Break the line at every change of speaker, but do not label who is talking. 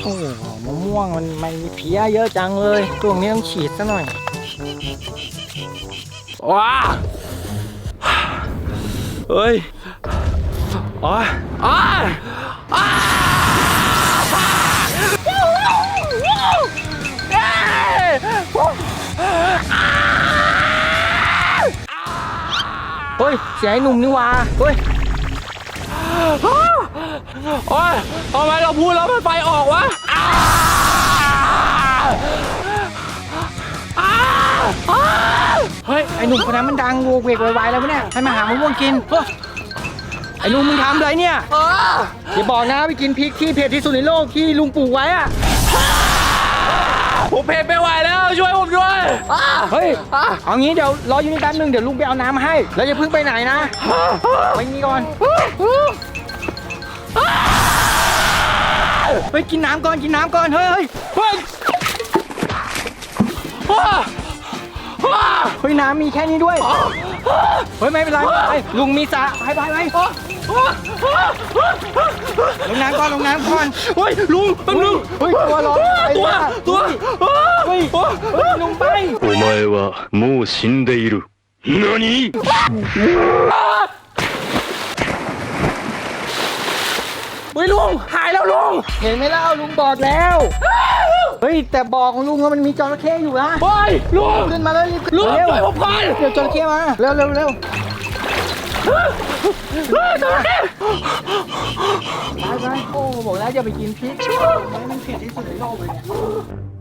โอ้มะม่วงมันมีเพี้ยเยอะจังเลยช่วงนี้ต้องฉีดซะหน่อยว้าเฮ้ยอ๋ออ้าอ้าเฮ้ยเสียไอ้หนุ่มนี่วะเฮ้ยโอ้ยทำไมเราพูดแล้วมันไฟออกวะเฮ้ยไอ้หนุ่มคนนั้นมันดังโวกเวกไวๆแล้วเนี่ยให้มาหามะม่วงกินไอ้หนุ่มมึงทำอะไรเนี่ยอย่าบอกนะไปกินพริกที่เผ็ดที่สุดในโลกที่ลุงปลูกไว้อะผมเผ็ดไม่ไหวแล้วช่วยผมด้วยเฮ้ยเอางี้เดี๋ยวรออยู่นี่แป๊บนึงเดี๋ยวลุงไปเอาน้ำมาให้แล้วอย่าเพิ่งไปไหนนะไปนี่ก่อนไปกินน้ำก่อนกินน้ำก่อนเฮ้ยเฮ้ยน้ำมีแค่นี้ด้วยเฮ้ยไม่เป็นไรลุงมีสระไปลงน้ำก่อนเฮ้ยลุงแป๊บนึงเฮ้ยตัวร้อนเฮ้ยลุงไป
お前はもう死んでいる。何？
เฮ้ยลุงหายแล้วลุงเห็นไหมเล่าลุงบอกแล้วเฮ้ยแต่บอกของลุงว่ามันมีจระเข้อยู่นะ
เฮ้ยลุง
ขึ้นมาแล้วรีบ
ลุง
เร็ว
ช่วยผมก่อน
เดี๋ยวจระเข้มาเร็ว
จระเข้
ไปโอ้บอกแล้วอย่าไปกินพริกมันเผ็ดที่สุดในโลกเลยเนี่ย